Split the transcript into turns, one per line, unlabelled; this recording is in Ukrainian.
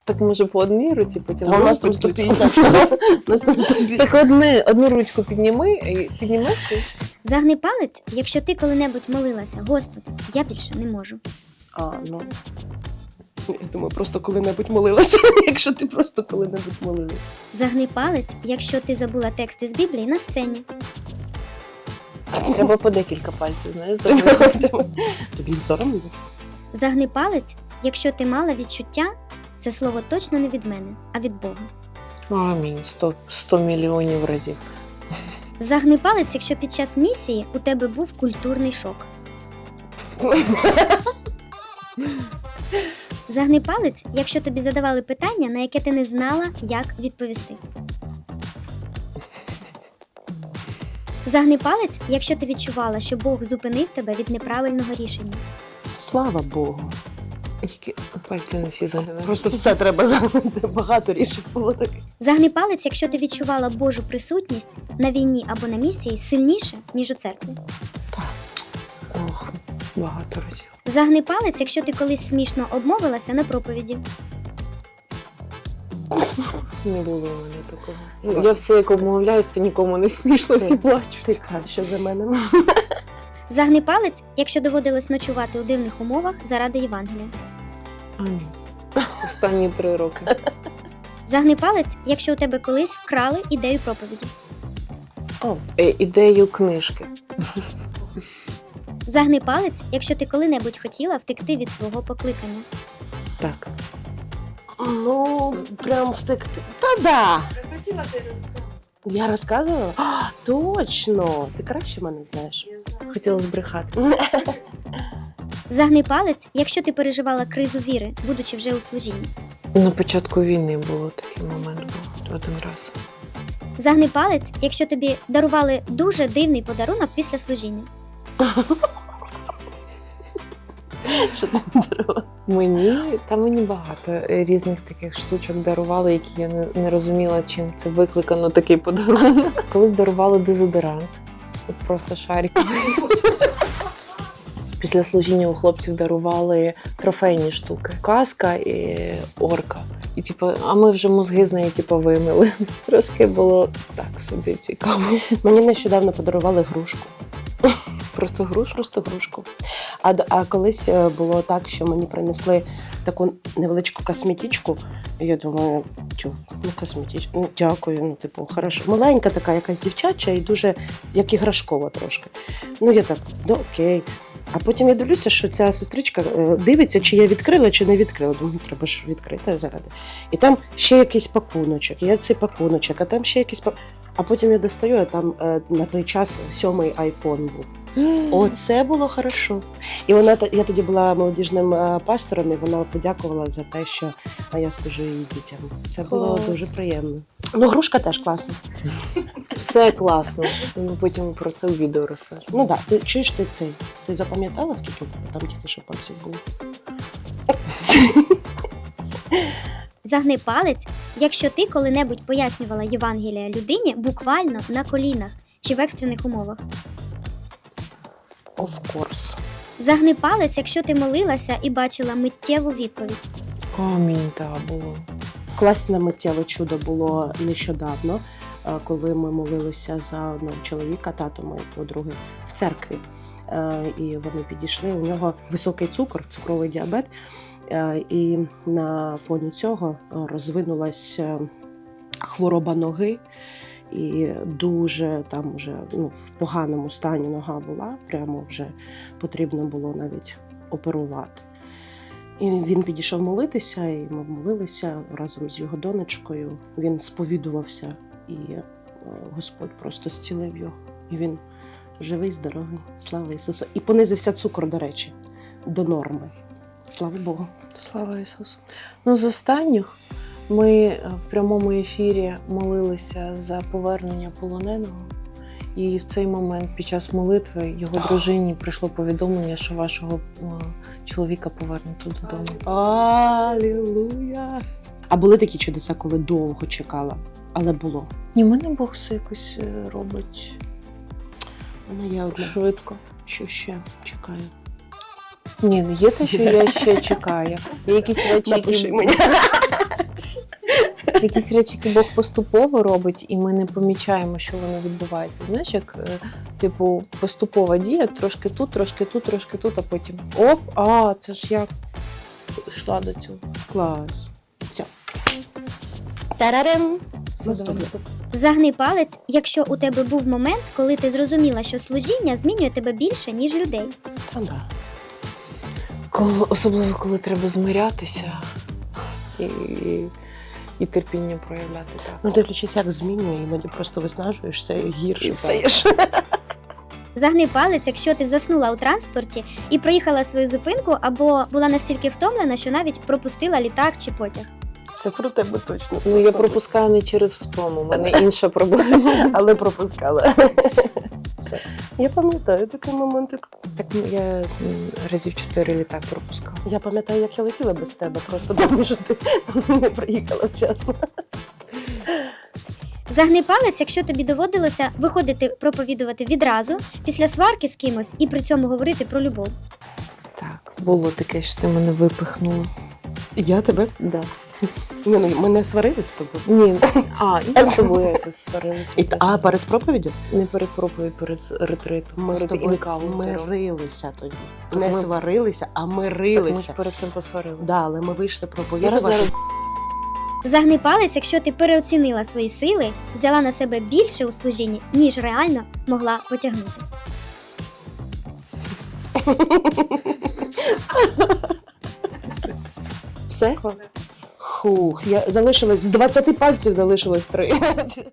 Так може по одній руці, потім
А у нас там
другу
150. У нас там 150.
Так одну ручку піднімеш і...
Загни палець, якщо ти коли-небудь молилася: Господи, я більше не можу.
Ну. Я думаю, просто коли-небудь молилася, якщо ти просто коли-небудь молилася.
Загни палець, якщо ти забула тексти з Біблії на сцені.
Треба по декілька пальців, знаєш, зробити.
Тобі не соромно?
Загни палець, якщо ти мала відчуття, це слово точно не від мене, а від Бога.
Амінь, 100 мільйонів разів.
Загни палець, якщо під час місії у тебе був культурний шок. Загни палець, якщо тобі задавали питання, на яке ти не знала, як відповісти. Загни палець, якщо ти відчувала, що Бог зупинив тебе від неправильного рішення.
Слава Богу.
Які пальці не всі загинають.
Просто все треба загнути. Багато рішень було таких.
Загни палець, якщо ти відчувала Божу присутність на війні або на місії сильніше, ніж у церкві.
Ох, багато разів.
Загни палець, якщо ти колись смішно обмовилася на проповіді.
Не було у мене такого. Я все, як обмовляюсь, то нікому не смішно, всі плачуть.
Ти краще за мене.
Загни палець, якщо доводилось ночувати у дивних умовах заради Євангелія.
Амінь. Останні 3 роки.
Загни палець, якщо у тебе колись вкрали ідею проповіді.
Ідею книжки.
Загни палець, якщо ти коли-небудь хотіла втекти від свого покликання.
Так.
Ну, прям втекти. Та-да!
Захотіла ти розказати.
Я розказувала? Точно! Ти краще мене знаєш.
Хотіла збрехати.
Загни палець, якщо ти переживала кризу віри, будучи вже у служінні.
На початку війни було такий момент, був один раз.
Загни палець, якщо тобі дарували дуже дивний подарунок після служіння.
Що ти дарувала?
Мені багато різних таких штучок дарували, які я не розуміла, чим це викликано, такий подарунок. Колись дарували дезодорант, от просто шариковий. Після служіння у хлопців дарували трофейні штуки. Каска і орка. І а ми вже мозги з неї вимили. Трошки було так собі цікаво.
Мені нещодавно подарували грушку.
Просто грушу?
Просто грушку. А колись було так, що мені принесли таку невеличку косметичку. І я думаю, косметичку, дякую, хорошо. Маленька така, якась дівчача і дуже, як іграшкова трошки. Я так, окей. А потім я дивлюся, що ця сестричка дивиться, чи я відкрила, чи не відкрила. Думаю, треба ж відкрити заради. І там ще якийсь пакуночок, я цей пакуночок, а там ще якийсь пакуночок. А потім я достаю, а там на той час 7-й айфон був. Оце було хорошо. І я тоді була молодіжним пастором, і вона подякувала за те, що я служу її дітям. Це було дуже приємно. Грушка теж класна.
Все класно. Ми потім про це в відео розкажемо.
Так, ти чуєш ти запам'ятала, скільки у тебе там тільки що пальців було?
Загни палець, якщо ти коли-небудь пояснювала Євангелія людині буквально на колінах чи в екстрених умовах.
Of course.
Загни палець, якщо ти молилася і бачила миттєву відповідь.
Камінь, було.
Класне миттєве чудо було нещодавно, коли ми молилися за одного чоловіка, тато моєї подруги, в церкві. І вони підійшли, у нього високий цукор, цукровий діабет, і на фоні цього розвинулась хвороба ноги, і дуже там вже в поганому стані нога була, прямо вже потрібно було навіть оперувати. І він підійшов молитися, і ми молилися разом з його донечкою. Він сповідувався, і Господь просто зцілив його. І він живий, здоровий, слава Ісусу. І понизився цукор, до речі, до норми. Слава Богу.
Слава Ісусу. З останніх ми в прямому ефірі молилися за повернення полоненого. І в цей момент під час молитви його дружині прийшло повідомлення, що вашого чоловіка повернуто додому.
Алілуя! А були такі чудеса, коли довго чекала, але було?
Ні, в мене Бог все якось робить
Мене є одне.
швидко.
Що ще чекаю?
Ні, є те, що я ще чекаю. Є якісь речі,
Напиши
які...
мені.
якісь речі, які Бог поступово робить, і ми не помічаємо, що воно відбувається. Знаєш, як типу поступова дія, трошки тут, трошки тут, трошки тут, а потім оп, це ж я йшла до цього.
Клас. Все. Тарарем. Наступне.
Загни палець, якщо у тебе був момент, коли ти зрозуміла, що служіння змінює тебе більше, ніж людей.
Та да.
Особливо, коли треба змирятися і терпіння проявляти. Так.
Ну, дивлячись, як змінює, іноді просто виснажуєшся і гірше
І
стаєш.
Загни палець, якщо ти заснула у транспорті і проїхала свою зупинку, або була настільки втомлена, що навіть пропустила літак чи потяг.
Це про тебе точно.
Ну, я пропускаю не через втому, у мене інша проблема.
Але пропускала. Я пам'ятаю такий моментик.
Так я разів 4 літак пропускала.
Я пам'ятаю, як я летіла без тебе, просто тому що ти не приїхала вчасно.
Загни палець, якщо тобі доводилося виходити проповідувати відразу, після сварки з кимось і при цьому говорити про любов.
Так, було таке, що ти мене випихнула.
Я тебе?
Да.
Ні, ну ми не сварились з тобою.
Ні, і з собою якось сварилися.
А перед проповіддю?
Не перед проповідь, перед ретритом.
Ми з
перед
тобою
інкаунтером.
мирилися тоді.
Так
Не
ми-
сварилися, а
Так ми
мирилися.
ж перед цим посварилися.
Да, але ми вийшли проповідувати.
Зараз.
Загни палець, якщо ти переоцінила свої сили, взяла на себе більше у служінні, ніж реально могла потягнути.
Все?
Клас.
Хух, я залишилось з 20 пальців залишилось 3.